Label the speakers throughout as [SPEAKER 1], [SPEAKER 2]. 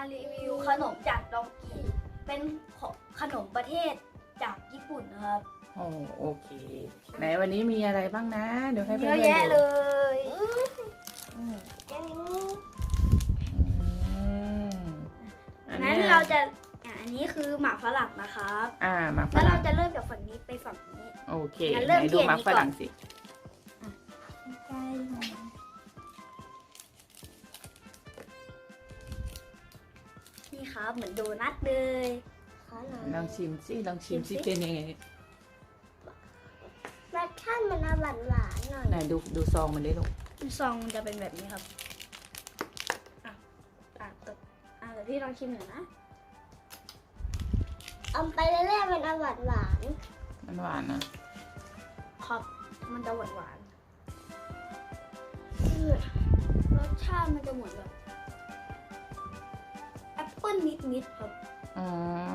[SPEAKER 1] รีวิวขนมจากดองกีเป็นขนมประเทศจากญี่ปุ่นนะครับ
[SPEAKER 2] โอเคไหนวันนี้มีอะไรบ้างนะเดี๋ยวให้เพื่
[SPEAKER 1] เย
[SPEAKER 2] อน
[SPEAKER 1] อะ
[SPEAKER 2] ๆ
[SPEAKER 1] แยะ
[SPEAKER 2] ดู
[SPEAKER 1] เลย
[SPEAKER 2] อัน
[SPEAKER 1] นั้น
[SPEAKER 2] นี้
[SPEAKER 1] เราจะอันนี้คือหมากฝรั่งนะครับ
[SPEAKER 2] หมักฝ
[SPEAKER 1] แล้วเรา
[SPEAKER 2] รั่ง
[SPEAKER 1] จะเริ่มจากฝั่งนี้ไปฝั่งนี้
[SPEAKER 2] โอเค
[SPEAKER 1] งั้น
[SPEAKER 2] ไห
[SPEAKER 1] เริ่ม
[SPEAKER 2] น
[SPEAKER 1] ที่
[SPEAKER 2] ดู
[SPEAKER 1] อัน
[SPEAKER 2] หมัก
[SPEAKER 1] นี้
[SPEAKER 2] ฝ
[SPEAKER 1] ก่อน
[SPEAKER 2] รั่งสิ
[SPEAKER 1] นี่ครับเหมือนโดนัทเลย
[SPEAKER 2] ลองชิมสิลองชิมสิเป็นยังไง
[SPEAKER 3] รสชาติมันหวานหวานหน่อย
[SPEAKER 2] ไหนดูซองมันได้ลูก
[SPEAKER 1] ซองมันจะเป็นแบบนี้ครับแต่พี่ลองชิมหน่อยนะ
[SPEAKER 3] เอาไปเรื่อยๆมันหวานหวาน
[SPEAKER 2] มันหวานนะครับ
[SPEAKER 1] มันจะหวานหวานๆรสชาติมันจะเหมือนแบบแอปเปิ้ลนิดๆครับ
[SPEAKER 2] อ๋อ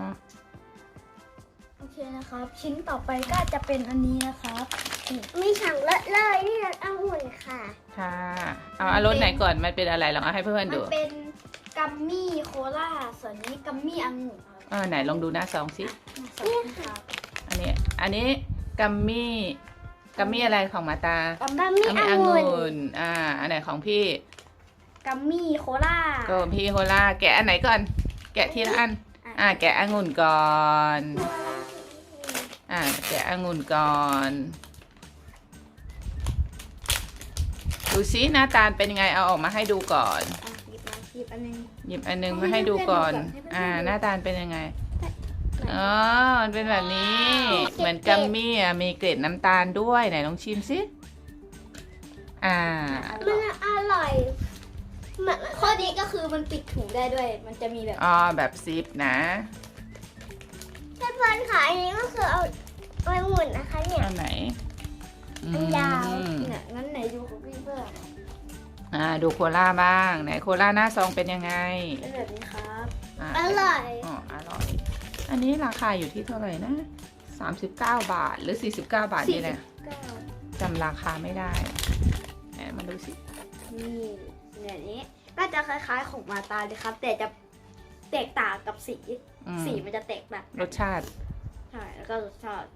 [SPEAKER 1] โอเคนะครับ ชิ้นต่อไปก็จะเป็นอันนี้นะครับ
[SPEAKER 3] มีสั่งเลอะเลยนี่รสองุ่นค่ะ
[SPEAKER 2] ค่ะเอารสไหนก่อนมันเป็นอะไรลองเอาให้เพื่อนๆ
[SPEAKER 1] มั
[SPEAKER 2] ดู
[SPEAKER 1] นเป็นกัมมี่โคลาส่วนนี้กัมมี่องุ่นครับ
[SPEAKER 2] ไหนลองดูหน้าซองสิ
[SPEAKER 1] นี่ครับ
[SPEAKER 2] อันนี้กัมมี่อะไรของมาตา
[SPEAKER 1] กัม
[SPEAKER 3] กัม
[SPEAKER 1] มี่
[SPEAKER 3] มี่
[SPEAKER 2] กัม
[SPEAKER 3] อ
[SPEAKER 2] มี่อง
[SPEAKER 3] งุ่น
[SPEAKER 2] ุ่นอันไหนของพี่
[SPEAKER 1] กัมมี่โคลา
[SPEAKER 2] ก็พี่โฮล่าแกะอันไหนก่อน แกะทีละอันแกะองุ่นก่อนแกะองุ่นก่อนดูซิหน้าตาเป็นยังไงเอาออกมาให้ดูก่อน
[SPEAKER 1] หยิบอันนึง
[SPEAKER 2] หยิบอันนึงมาให้ดูก่อน
[SPEAKER 1] ให้เพื่อนๆดูก่อน
[SPEAKER 2] หน้าตาเป็นยังไงอ๋อมันเป็นแบบนี้ เหมือนกัมมี่มีเกล็ดน้ำตาลด้วยไหนลองชิมสิ
[SPEAKER 3] มันอร่อยมัน
[SPEAKER 1] ข้อดีก็คือมันปิดถุงได้ด้วย มันจะมีแบบ
[SPEAKER 2] แบบซิปนะ
[SPEAKER 3] เพื่อนๆค่ะอันนี้ก็คือเอาองุ่นนะคะเนี่ย
[SPEAKER 2] อันไหน
[SPEAKER 3] อันยาว
[SPEAKER 1] เนี่ยงั้นไหนดูของพี่เพื่อน
[SPEAKER 2] ดูโคล่าบ้างไหนโคล่าหน้าซองเป็นยังไง
[SPEAKER 1] เป็นแบบนี้ครับ
[SPEAKER 3] อร่อย
[SPEAKER 2] อร่อย อันนี้ราคาอยู่ที่เท่าไหร่นะ39 บาทหรือ49 บาทนี่แหละ
[SPEAKER 1] 49
[SPEAKER 2] จำราคาไม่ได้ไหนมาดูสิ
[SPEAKER 1] นี่เนี่ยนี้ก็จะคล้ายๆของมาตาเลยครับ แต่จะแตกต่างกับสี สีมันจะแตกต่าง
[SPEAKER 2] รสชาติ
[SPEAKER 1] ใช่แล้วก็รสชาติ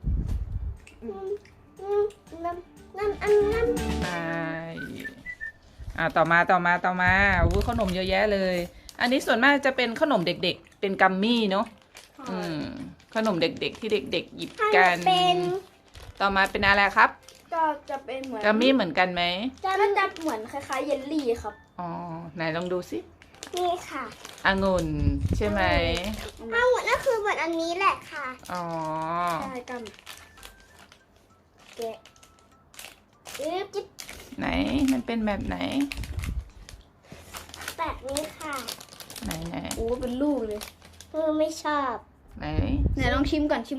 [SPEAKER 3] น้ำ
[SPEAKER 2] ใช่ต่อมาอู้ขนมเยอะแยะเลย อันนี้ส่วนมากจะเป็นขนมเด็กๆ เป็นกัมมี่เนาะขนมเด็กๆที่เด็กๆหยิบกัน
[SPEAKER 3] เป็น
[SPEAKER 2] ต่อมาเป็นอะไรครับ
[SPEAKER 1] ก็จะเป็นเหมือน
[SPEAKER 2] กัมมี่เหมือนกันไหม
[SPEAKER 1] ก็จะเหมือนคล้ายๆเยลลี่ครับ
[SPEAKER 2] ไหนลองดูสิ
[SPEAKER 3] นี่ค่ะ
[SPEAKER 2] องุ่นใช่ไหม
[SPEAKER 3] องุ่นก็คือเหมือนอันนี้แหละค่ะ
[SPEAKER 1] ใช่กันแกะ
[SPEAKER 3] จิ๊บ
[SPEAKER 2] ไหนมันเป็นแบบไหน
[SPEAKER 3] แบบนี้ค่ะ
[SPEAKER 2] ไหน
[SPEAKER 1] โอ้เป็นลูกเลย
[SPEAKER 3] ไม่ชอบ
[SPEAKER 2] ไหน
[SPEAKER 1] ไหนลองชิมก่อน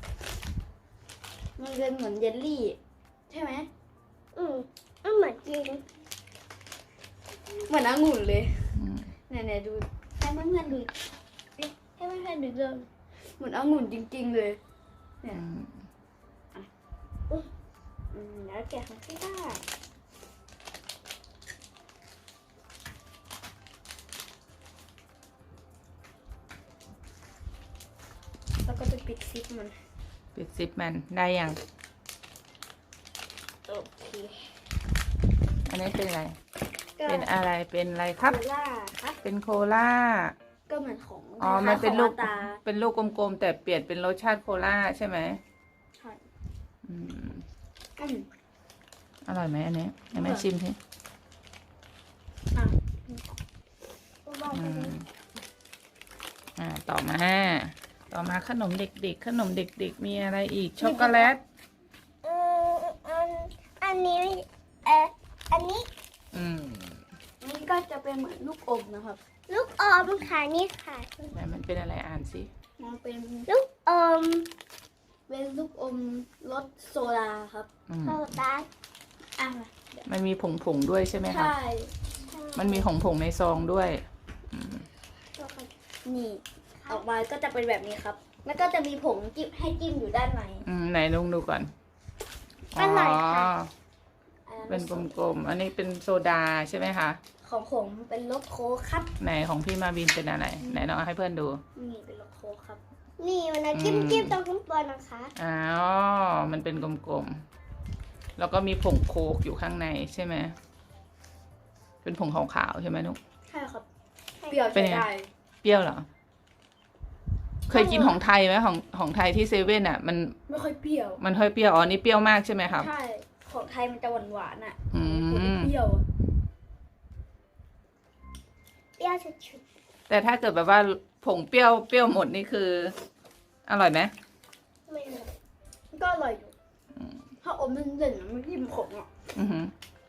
[SPEAKER 1] มันเป็นเหมือนเยลลี่ ใช่ไหม
[SPEAKER 3] มันเหมือนจริง
[SPEAKER 1] เหมือนองุ่นเลย
[SPEAKER 2] อืม
[SPEAKER 1] ไหนดูให้เพื่อนๆดูให้เพื่อนๆดูเลยเหมือนองุ่นจริงๆเลยเนี่ยแล้วแกะของพี่ได้แล้วก็จะปิดซิปมัน
[SPEAKER 2] ปิดซิปมันได้ยัง
[SPEAKER 1] โอเค
[SPEAKER 2] อันนี้เป็นอะไร
[SPEAKER 1] ก็
[SPEAKER 2] เป็นอะไรครับ
[SPEAKER 1] โคล่าครับ
[SPEAKER 2] เป็นโคล่า
[SPEAKER 1] ก็เหมือนของ
[SPEAKER 2] มันเป็น
[SPEAKER 1] ค
[SPEAKER 2] ลู
[SPEAKER 1] ล้าย
[SPEAKER 2] ก
[SPEAKER 1] ๆของตา
[SPEAKER 2] เป็นลูกกลมๆแต่เปลี่ยนเป็นรสชาติโคล่าใช่ไหม
[SPEAKER 1] ใช่
[SPEAKER 2] อืม
[SPEAKER 1] อืม
[SPEAKER 2] อร่อยไหมอันนี้ให้แม่ชิมสิ
[SPEAKER 1] อ่ะ
[SPEAKER 2] อืมต่อมาขนมเด็กๆมีอะไรอีกช็อกโกแลต
[SPEAKER 3] อันนี้อันนี้
[SPEAKER 1] นี่ก็จะเป็นเหมือนลูกอมนะครับ
[SPEAKER 3] ลูกอมค่ะนี่ค่ะ
[SPEAKER 2] ไหนมันเป็นอะไรอ่านสิ
[SPEAKER 1] มันเป็น
[SPEAKER 3] ลูกอม
[SPEAKER 1] ลูกอมรสโซดาครับ
[SPEAKER 3] โซดา
[SPEAKER 1] อ่ะ
[SPEAKER 2] มันมีผงด้วยใช่ไหมคะ
[SPEAKER 1] ใช่
[SPEAKER 2] มันมีผงในซองด้วย
[SPEAKER 1] นี่ออกมาก็จะเป็นแบบนี้ครับ แล้วก็จะมีผงจิ้มให้จิ้มอยู่ด้านใน
[SPEAKER 2] ไหนลองดูก่อน
[SPEAKER 3] อร่อยค่ะ
[SPEAKER 2] เป็นกลมๆ อันนี้เป็นโซดาใช่ไหมคะ
[SPEAKER 1] ของผมเป็นรสโค้กครับ
[SPEAKER 2] ไหนของพี่มาวินเป็นอะไร ไหนน้องเอาให้เพื่อนดู
[SPEAKER 1] นี่เป็นรสโค้กครับ
[SPEAKER 3] นี่มันนะจิ้มตรงข้างบนนะคะ
[SPEAKER 2] อ๋อ มันเป็นกลมๆ แล้วก็มีผงโคกอยู่ข้างในใช่ไหม เป็นผงขาวๆใช่ไหมนุ๊ก
[SPEAKER 1] ใช่ครับ เปรี้ยว
[SPEAKER 2] เป็น
[SPEAKER 1] ใช้
[SPEAKER 2] ไง
[SPEAKER 1] ได้
[SPEAKER 2] เปรี้ยวเหรอ เคยกินของไทยไหมของไทยที่เซเว่นอ่ะ มัน
[SPEAKER 1] ไม่ค่อยเปรี้ยว
[SPEAKER 2] มันค่อยเปรี้ยว อ๋อ นี่เปรี้ยวมากใช่ไหมครับ
[SPEAKER 1] ใช่ ของไทยมันจะหวานๆอ่ะ
[SPEAKER 2] อืม
[SPEAKER 1] ของผมเปรี้ยวอะ
[SPEAKER 3] เปรี้ยวชุด
[SPEAKER 2] แต่ถ้าเกิดแบบว่าผงเปรี้ยวหมดนี่คือ อร่อยไหม
[SPEAKER 3] ๆไม่เลย
[SPEAKER 1] ก็อร่อยอยู่ถ้าอมเด่นๆอะมันยิ่มขมอ่ะ
[SPEAKER 2] อือหือ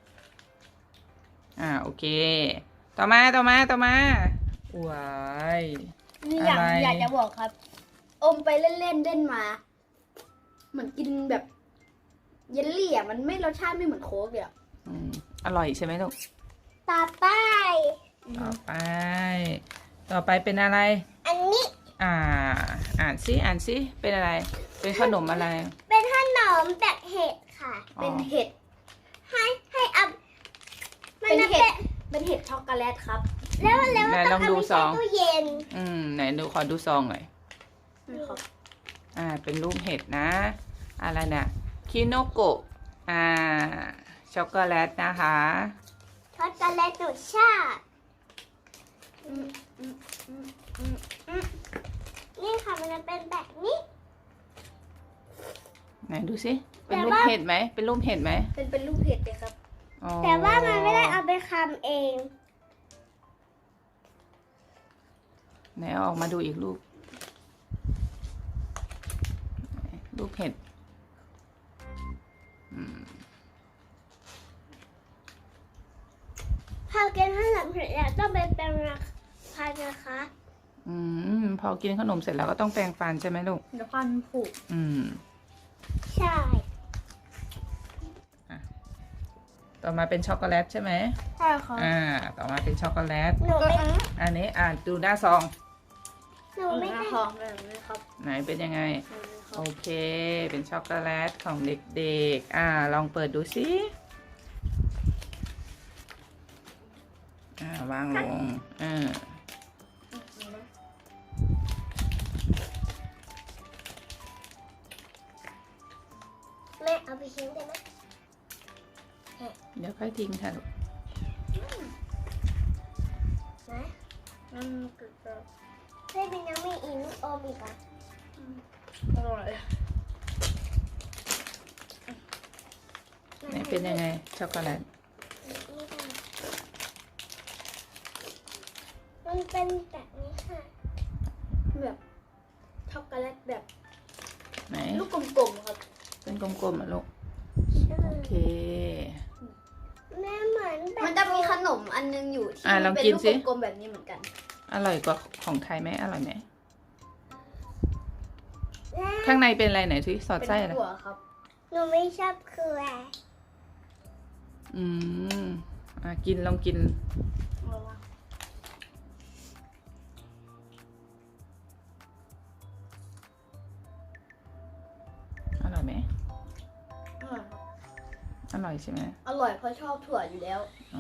[SPEAKER 2] โอเค ต่อมาว้าย
[SPEAKER 1] นี่
[SPEAKER 2] อะไร
[SPEAKER 1] อยากจะบอกครับ อมไปเล่นๆเล่นมา เหมือนกินแบบ เยลลี่อ่ะมันไม่รสชาติไม่เหมือนโค้กเลยอ่ะ
[SPEAKER 2] อืมอร่อยใช่ไหมลูก
[SPEAKER 3] ต่อไป
[SPEAKER 2] ต่อไปเป็นอะไร
[SPEAKER 3] อันนี้
[SPEAKER 2] อ่านซิเป็นอะไร เป็นขนมอะไร
[SPEAKER 3] เป็นขนมแบบเห็ดค่ะ
[SPEAKER 2] อ๋อ
[SPEAKER 1] เป็นเห็ด
[SPEAKER 3] ให้อัพมัน
[SPEAKER 1] เป็น
[SPEAKER 3] จะ
[SPEAKER 1] เห็
[SPEAKER 3] เป็
[SPEAKER 1] ด เป็นเห็ดช็อกโกแลตครับ
[SPEAKER 3] แล้ว
[SPEAKER 2] ไหนล
[SPEAKER 3] ต้
[SPEAKER 2] อ
[SPEAKER 3] อง ง
[SPEAKER 2] ดู
[SPEAKER 3] เอาไป
[SPEAKER 2] ซอ
[SPEAKER 3] ใส่
[SPEAKER 2] ง
[SPEAKER 3] ตู้เย็น
[SPEAKER 2] ไหนดูขอดูซองหน่อย
[SPEAKER 1] นี่ครับ
[SPEAKER 2] เป็นรูปเห็ดนะ อะไรเนี่ยคิโนโกะช็อกโกแลตนะคะ
[SPEAKER 3] ช็อกโกแลตรสชาตินี่ค่ะมันจะเป็นแบบนี้
[SPEAKER 2] ไหนดูสิเป็น
[SPEAKER 3] แต่
[SPEAKER 2] รูป
[SPEAKER 3] ว่า
[SPEAKER 2] เห็ดไหมเป็นรูปเห็ดไหม
[SPEAKER 1] เป็นลูกเห็ดเลยครับ
[SPEAKER 2] อ๋อ
[SPEAKER 3] แต่ว่ามันไม่ได้เอาไปคำเอง
[SPEAKER 2] ไหนเอาออกมาดูอีกรูปรูปเห็ดอืม
[SPEAKER 3] พอกินขนมเสร็จแล้วต้องไปแปรงฟันนะคะ
[SPEAKER 2] พอกินขนมเสร็จแล้วก็ต้องแปรงฟันใช่ไหมลูก
[SPEAKER 1] เดี๋ยวฟันผุ
[SPEAKER 3] ใช่
[SPEAKER 2] ต่อมาเป็นช็อกโกแลตใช่ไหม
[SPEAKER 1] ใช่ครับ
[SPEAKER 2] ต่อมาเป็นช็อกโกแลต
[SPEAKER 3] หนูไม่
[SPEAKER 2] อันนี้ดูหน้าซอง
[SPEAKER 3] หนูไม่
[SPEAKER 1] หน้า
[SPEAKER 3] ได้
[SPEAKER 1] ท้องแบบนี้ครับ
[SPEAKER 2] ไหนเป็นยังไง
[SPEAKER 1] แบบนี้ครั
[SPEAKER 2] โอบ เค เป็นช็อกโกแลตของเด็กๆ ลองเปิดดูสิวางลง
[SPEAKER 3] แม่เอาไปทิ้งได้ไหม
[SPEAKER 2] เดี๋ยวค่อยทิ้งค่ะลูก
[SPEAKER 3] นะ
[SPEAKER 1] มันเกิดแบบ
[SPEAKER 3] เฮ้ยเป็นยังไม่อีกลูกอมอีกอ่ะ
[SPEAKER 1] อร่อย
[SPEAKER 2] ไหนเป็นยังไงช็อกโกแลต
[SPEAKER 3] มันเป็นแบบนี้ค่ะ
[SPEAKER 1] แบบช็อกโกแลตแบบ
[SPEAKER 2] ไหน
[SPEAKER 1] ลูกกลมๆครับ
[SPEAKER 2] เป็นกลมๆอ่ะลูก โอเค
[SPEAKER 3] แม่เหมือนแบบ
[SPEAKER 1] มันจะมีขนมอันนึงอยู่ที่
[SPEAKER 2] ลอง
[SPEAKER 1] เป็น
[SPEAKER 2] กิน
[SPEAKER 1] ลูก
[SPEAKER 2] สิ
[SPEAKER 1] กลมๆแบบนี้เหมือนกัน
[SPEAKER 2] อร่อยกว่าของไทยไหมอร่อยไหม
[SPEAKER 3] แม่
[SPEAKER 2] ข้างในเป็นอะไรไหนสิสอด
[SPEAKER 1] เป็น
[SPEAKER 2] ไส้อะไร
[SPEAKER 1] ถั่วครับ
[SPEAKER 3] หนูไม่ชอบคืออะไร
[SPEAKER 2] กินลองกิน อร่อยไหม อร่อยใช่ไหม
[SPEAKER 1] อร่อยเพราะชอบถั่วอยู่แล้ว
[SPEAKER 2] อ่า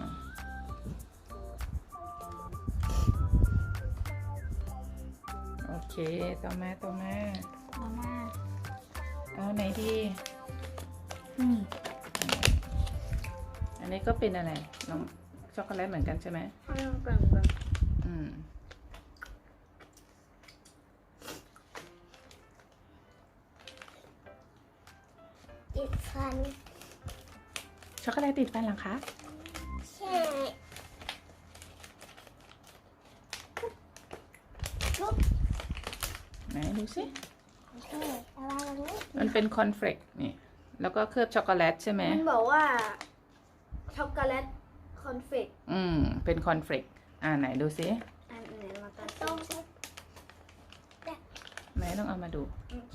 [SPEAKER 2] โอเค ต่อมา
[SPEAKER 1] มาม่า
[SPEAKER 2] เอาไหนดีอันนี้ก็เป็นอะไรน้องช็อกโกแลตเหมือนกันใช่ไหม
[SPEAKER 1] ให้มันแบ่งกัน
[SPEAKER 3] ติดฟัน
[SPEAKER 2] ช็อกโกแลตติดฟันเหรอคะ
[SPEAKER 3] ใช่
[SPEAKER 2] ไหนดูสิ
[SPEAKER 3] ใช่แต่ว่ามันไม่
[SPEAKER 2] มันเป็นคอนเฟลกนี่ แล้วก็เคลือบช็อกโกแลตใช่ไหม
[SPEAKER 1] มันบอกว่าช็อกโกแลตคอนเฟก
[SPEAKER 2] เป็นคอนเฟลกไหนดูสิ
[SPEAKER 1] อันไหนมากัน
[SPEAKER 3] ต้
[SPEAKER 1] ต้
[SPEAKER 3] อ
[SPEAKER 1] ม
[SPEAKER 3] งใช้
[SPEAKER 2] ไหนต้องเอามาดู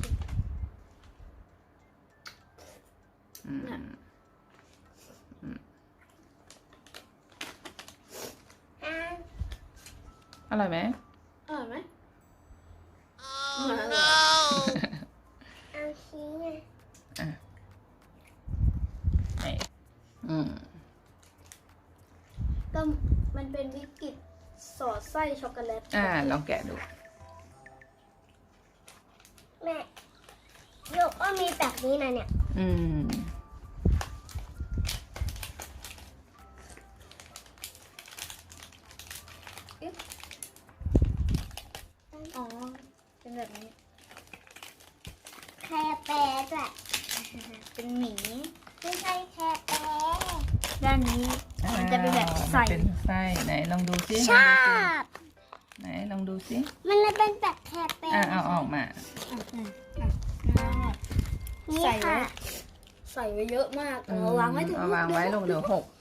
[SPEAKER 3] อ่า
[SPEAKER 2] อร่อยไหม
[SPEAKER 1] อร่อยไหม
[SPEAKER 3] เอาชี้ไง
[SPEAKER 2] ไหนอืม
[SPEAKER 1] ก็มันเป็นบิสกิตสอดไส้ช็อกโกแลต
[SPEAKER 2] ลองแกะดู
[SPEAKER 3] แม่โยกก็มีแบบนี้นะเนี่ย
[SPEAKER 2] อืม
[SPEAKER 1] อ๋อเป็นแบบนี้
[SPEAKER 3] แคร์แปรด้วย
[SPEAKER 1] เป็นหมี
[SPEAKER 3] ไม่ใช่แคร์แปร
[SPEAKER 1] ด้านนี้มันจะเป็นแบบใส่
[SPEAKER 2] เป็นไส้ไหนลองดูซิ
[SPEAKER 3] ชอบ
[SPEAKER 2] ไหนลองดูซิ
[SPEAKER 3] มันเลยเป็นแบบแคร์แปร
[SPEAKER 2] เอาออกมา
[SPEAKER 3] นี่
[SPEAKER 1] ใส่ไว้
[SPEAKER 3] ค่ะ
[SPEAKER 1] ใส่ไว้เยอะมากเอาวางไว้ถึง
[SPEAKER 2] เอาวางไว้ลงเดี๋ยวหก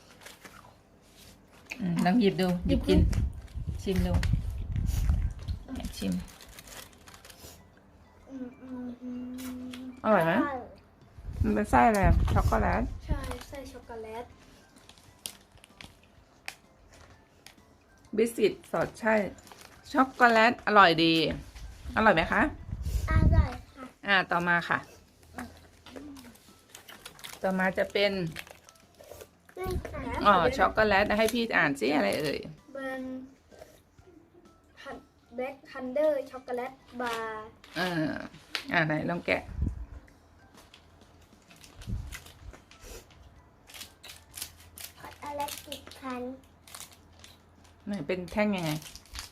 [SPEAKER 2] ลองหยิบดูหยิบกิน ชิมดูชิม อร่อยไหมมันเป็นไส้อะไรช็อกโกแลต
[SPEAKER 1] ใช่ไส้ช็อกโกแลต
[SPEAKER 2] บิสกิตสดใช่ช็อกโกแลตอร่อยดี อร่อยไหมคะ
[SPEAKER 3] อร่อยค่ะ
[SPEAKER 2] ต่อมาค่ะ ต่อมาจะเป็น
[SPEAKER 3] นี่ค่ะ
[SPEAKER 2] ช็อกโกแลตให้พี่อ่านซิอะไรเอ่ย
[SPEAKER 1] เป็นแบล็คทันเดอร์ช็อกโกแลตบาร์
[SPEAKER 2] ไหนลองแกะ
[SPEAKER 3] อะไรติดพัน
[SPEAKER 2] ไหนเป็นแท่งยังไง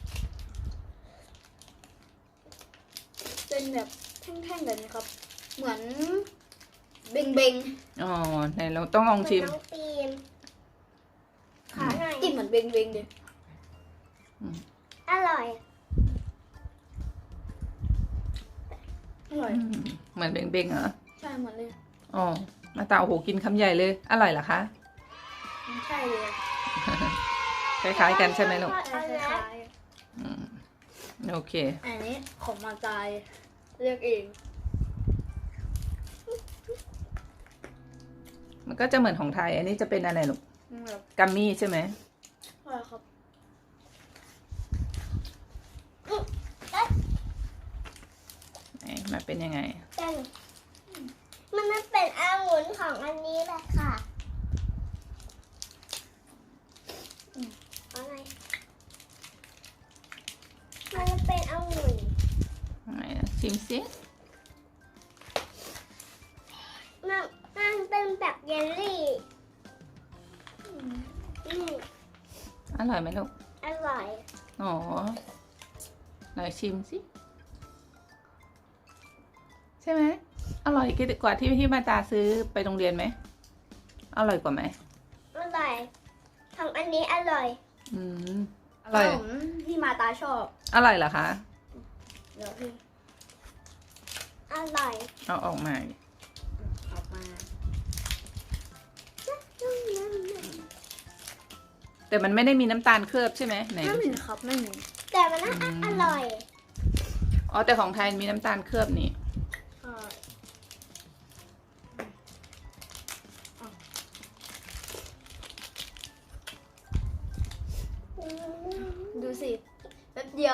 [SPEAKER 1] เป็นแบบแท่งๆแบบนี้ครับ เหมือนเบงเบง
[SPEAKER 2] ไหนเราต้องลองชิม
[SPEAKER 3] น้องปีมขอหน่อย
[SPEAKER 1] กินเหมือนเบงเบงดิ
[SPEAKER 3] อร่อย
[SPEAKER 1] อร่อย
[SPEAKER 2] เหมือนเบงๆเหรอ
[SPEAKER 1] ใช่เหมือนเลย
[SPEAKER 2] มาตาโอ้โหกินคำใหญ่เลย อร่อยเหรอคะ
[SPEAKER 1] มันใช่เลย
[SPEAKER 2] คล้ายๆกันใช่ไหมลูก
[SPEAKER 1] คล้าย
[SPEAKER 2] โอเค
[SPEAKER 1] ๆอันนี้ของมาตายเรียกเอง
[SPEAKER 2] มันก็จะเหมือนของไทย อันนี้จะเป็นอะไรลูก
[SPEAKER 1] แบบ
[SPEAKER 2] กัมมี่ใช่ไหม
[SPEAKER 1] อะไรครับ
[SPEAKER 2] ไหนมาเป็นยังไง
[SPEAKER 3] กันมันเป็นองุ่นของอันนี้แหละค่ะอะไรมันเป็นองุ่น
[SPEAKER 2] ไหนนะชิมซิ
[SPEAKER 3] มันเป็นแบบเยลลี่นี่
[SPEAKER 2] อร่อยไหมลูก
[SPEAKER 3] อร่อย
[SPEAKER 2] ไหนชิมสิ ใช่ไหม อร่อยกว่าที่มาตาซื้อไปโรงเรียนไหม อร่อยกว่าไหม
[SPEAKER 3] อร่อยของอันนี้อร่อย
[SPEAKER 2] อร่อย
[SPEAKER 1] ขนมที่มาตาชอบ
[SPEAKER 2] อร่อยเหรอคะ
[SPEAKER 1] เดี๋ยวพี่
[SPEAKER 3] อร่อย
[SPEAKER 2] เอาออกมา
[SPEAKER 1] ออกมา
[SPEAKER 2] แต่มันไม่ได้มีน้ำตาลเคลือบใช่ไหมไหน
[SPEAKER 1] ไม่
[SPEAKER 2] ดู
[SPEAKER 1] มี
[SPEAKER 2] สิ
[SPEAKER 1] ครับไม่มี
[SPEAKER 3] แต่มันอร่อย
[SPEAKER 2] แต่ของไทยมีน้ำตาลเคลือบนี่
[SPEAKER 1] ดูสิแป๊บเดียว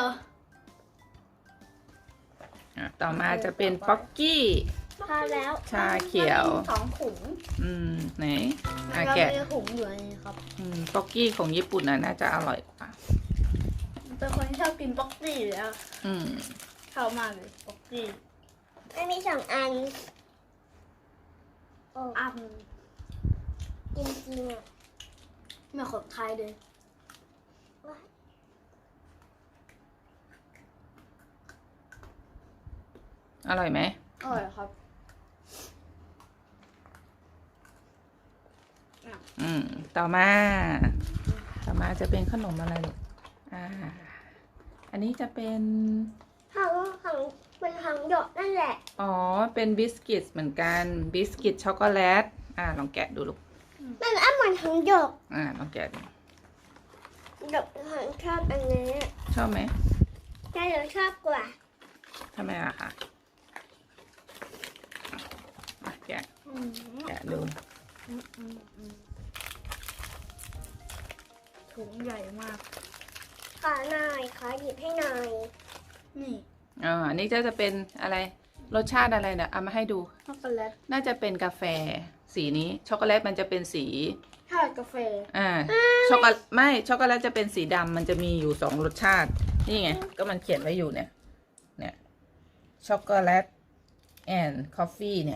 [SPEAKER 2] ต่อมาจะเป็นป๊อกกี้
[SPEAKER 1] พอแล้ว
[SPEAKER 2] ชาเขียว
[SPEAKER 1] มันมี2 ถุง
[SPEAKER 2] ไหน
[SPEAKER 1] แล้ว
[SPEAKER 2] แกะ
[SPEAKER 1] มีถุงอยู่ในนี้ครับ
[SPEAKER 2] ป๊อกกี้ของญี่ปุ่นน่าจะอร่อยกว่า
[SPEAKER 1] เป็นคนที่ชอบกินป๊อกกี้อยู่แล้ว ชอบมากเลยป๊อกกี้
[SPEAKER 3] มันมี2 อัน โอ้
[SPEAKER 1] อ้ำ
[SPEAKER 3] จริงๆอ่ะ
[SPEAKER 1] เหมือนของไทยเลย
[SPEAKER 2] อร่อยไหม
[SPEAKER 1] อร่อยครับ
[SPEAKER 2] ต่อมาจะเป็นขนมอะไรลูกอันนี้จะเป็น
[SPEAKER 3] ของเป็นของหยกนั่นแหละ
[SPEAKER 2] เป็นบิสกิตเหมือนกัน บิสกิตช็อกโกแลต ลองแกะดูลูก
[SPEAKER 3] มันเหมือนของหยก
[SPEAKER 2] ลองแกะดู
[SPEAKER 3] หยกของชอบอันนี้
[SPEAKER 2] ชอบไหม
[SPEAKER 3] แต่หยกชอบกว่า
[SPEAKER 2] ทำไมล่ะคะแกะดู
[SPEAKER 1] ถุงใหญ่มาก
[SPEAKER 3] ขอหน่อย ขอหยิบให้หน่อย
[SPEAKER 1] นี่
[SPEAKER 2] อันนี้จะเป็นอะไรรสชาติอะไรเนี่ยเอามาให้ดู
[SPEAKER 1] ช็อกโกแลต
[SPEAKER 2] น่าจะเป็นกาแฟสีนี้ช็อกโกแลตมันจะเป็นสี
[SPEAKER 1] ใช่กาแฟ
[SPEAKER 2] ช็อกโกแลตไม่ช็อกโกแลตจะเป็นสีดำมันจะมีอยู่2รสชาตินี่ไงก็มันเขียนไว้อยู่เนี่ยช็อกโกแลตแอนด์คอฟฟี่เนี่ย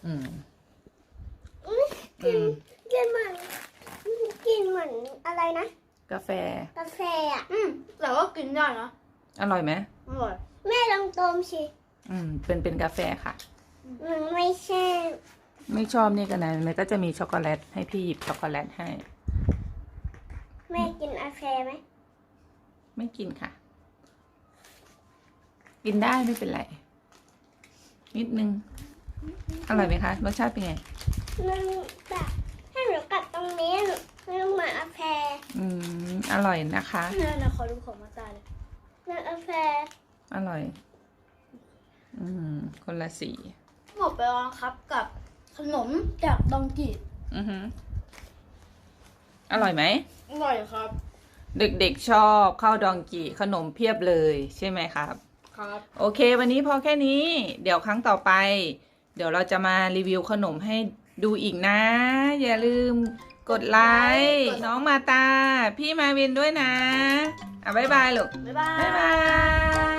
[SPEAKER 3] กินเหมือนอะไรนะ
[SPEAKER 2] กาแฟ
[SPEAKER 3] กาแฟอ่ะ
[SPEAKER 1] แต่ว่ากินได้นะ
[SPEAKER 2] อร่อยไหม
[SPEAKER 1] อร่อย
[SPEAKER 3] แม่ลองดมสิ
[SPEAKER 2] เป็นกาแฟค่ะ
[SPEAKER 3] มันไม่ใช่
[SPEAKER 2] ไม่ชอบนี่กันนะมันก็จะมีช็อกโกแลตให้พี่หยิบช็อกโกแลตให้
[SPEAKER 3] แม่กินกาแฟไหม
[SPEAKER 2] ไม่กินค่ะ กินได้ไม่เป็นไรนิดนึงอร่อยไหมคะรสชาติเป็นไง
[SPEAKER 3] มันแบบถ้าหนูกัดตรงนี้มันเหมือนกาแฟ
[SPEAKER 2] อร่อยนะคะ
[SPEAKER 1] เนี่ยขอดูของมาตาเลย
[SPEAKER 3] เหมือนกาแฟ
[SPEAKER 2] อร่อยคนละสี
[SPEAKER 1] หมดไปแล้วนะครับกับขนมจากดองกิ
[SPEAKER 2] อร่อยไหม
[SPEAKER 1] อร่อยครับ
[SPEAKER 2] เด็กๆชอบข้าวดองกีขนมเพียบเลยใช่ไหมครับ
[SPEAKER 1] ครับ
[SPEAKER 2] โอเค วันนี้พอแค่นี้ เดี๋ยวครั้งต่อไป เดี๋ยวเราจะมารีวิวขนมให้ดูอีกนะ อย่าลืมกดไลค์น้องมาตา พี่มาวินด้วยนะบ๊ายบายลูก
[SPEAKER 1] บ๊ายบาย
[SPEAKER 2] บ๊ายบาย